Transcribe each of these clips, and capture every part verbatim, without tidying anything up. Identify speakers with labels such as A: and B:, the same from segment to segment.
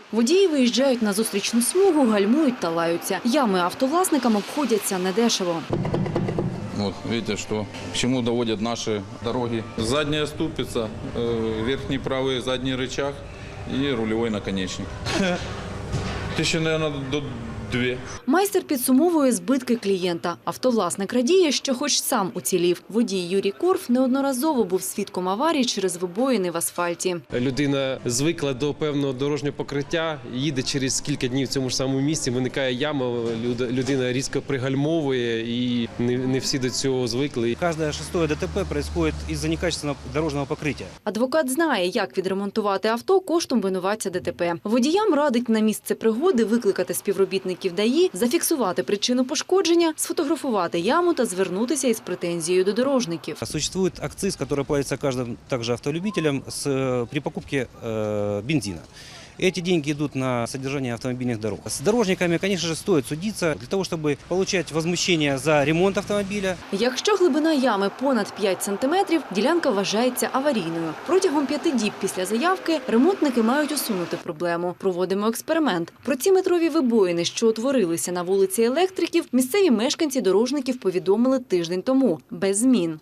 A: Водії виїжджають на зустрічну смугу, гальмують та лаються. Ями автовласникам обходяться недешево.
B: Вот, видите, что, к чему доводят наши дороги. Задняя ступица, э, верхний правый задний рычаг и рулевой наконечник. Тысячи, наверное, до две.
A: Майстер підсумовує збитки клієнта. Автовласник радіє, що хоч сам уцілів. Водій Юрій Корф неодноразово був свідком аварій через вибоїни в асфальті.
C: Людина звикла до певного дорожнього покриття, їде через кілька днів в цьому ж самому місці, виникає яма, людина різко пригальмовує і не, не всі до цього звикли.
D: Каждое шестое ДТП происходит из-за некачественного дорожного покрытия.
A: Адвокат знає, як відремонтувати авто коштом винуватця ДТП. Водіям радить на місце пригоди викликати співробітників ДАІ, зафіксувати причину пошкодження, сфотографувати яму та звернутися із претензією до дорожників.
D: Существует акциз, который платится каждым также автолюбителям с, при покупке э, бензина. Эти деньги идут на содержание автомобильных дорог. С дорожниками, конечно же, стоит судиться для того, чтобы получать возмещение за ремонт автомобиля.
A: Якщо глибина ями понад п'ять сантиметрів, ділянка вважається аварійною. Протягом п'яти діб після заявки ремонтники мають усунути проблему. Проводимо експеримент. Про ці метрові вибоїни, що утворилися на вулиці Електриків, місцеві мешканці дорожників повідомили тиждень тому. Без змін.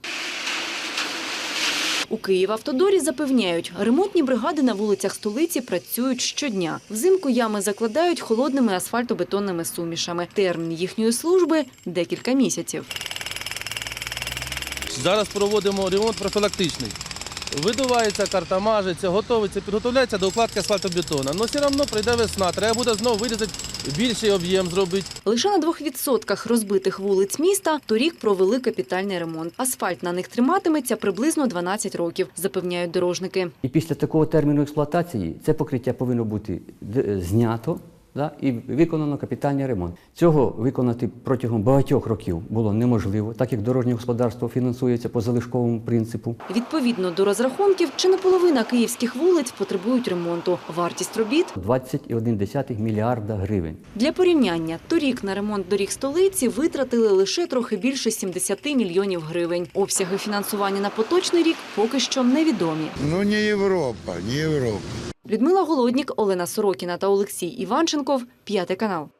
A: У Київавтодорі запевняють, ремонтні бригади на вулицях столиці працюють щодня. Взимку ями закладають холодними асфальтобетонними сумішами. Термін їхньої служби – декілька місяців.
E: Зараз проводимо ремонт профілактичний. Видувається карта, мажеться, готовиться, підготовляється до укладки асфальтобетону. Але все одно прийде весна, треба буде знову вирізати, більший об'єм зробити.
A: Лише на двох відсотках розбитих вулиць міста торік провели капітальний ремонт. Асфальт на них триматиметься приблизно дванадцять років, запевняють дорожники.
F: І після такого терміну експлуатації це покриття повинно бути знято, да, і виконано капітальний ремонт. Цього виконати протягом багатьох років було неможливо, так як дорожнє господарство фінансується по залишковому принципу.
A: Відповідно до розрахунків, чи не половина київських вулиць потребують ремонту. Вартість робіт –
F: двадцять цілих одна десята мільярда гривень.
A: Для порівняння, торік на ремонт доріг столиці витратили лише трохи більше сімдесят мільйонів гривень. Обсяги фінансування на поточний рік поки що невідомі.
G: Ну, не Європа, не Європа.
A: Людмила Голоднік, Олена Сорокіна та Олексій Іванченков, П'ятий канал.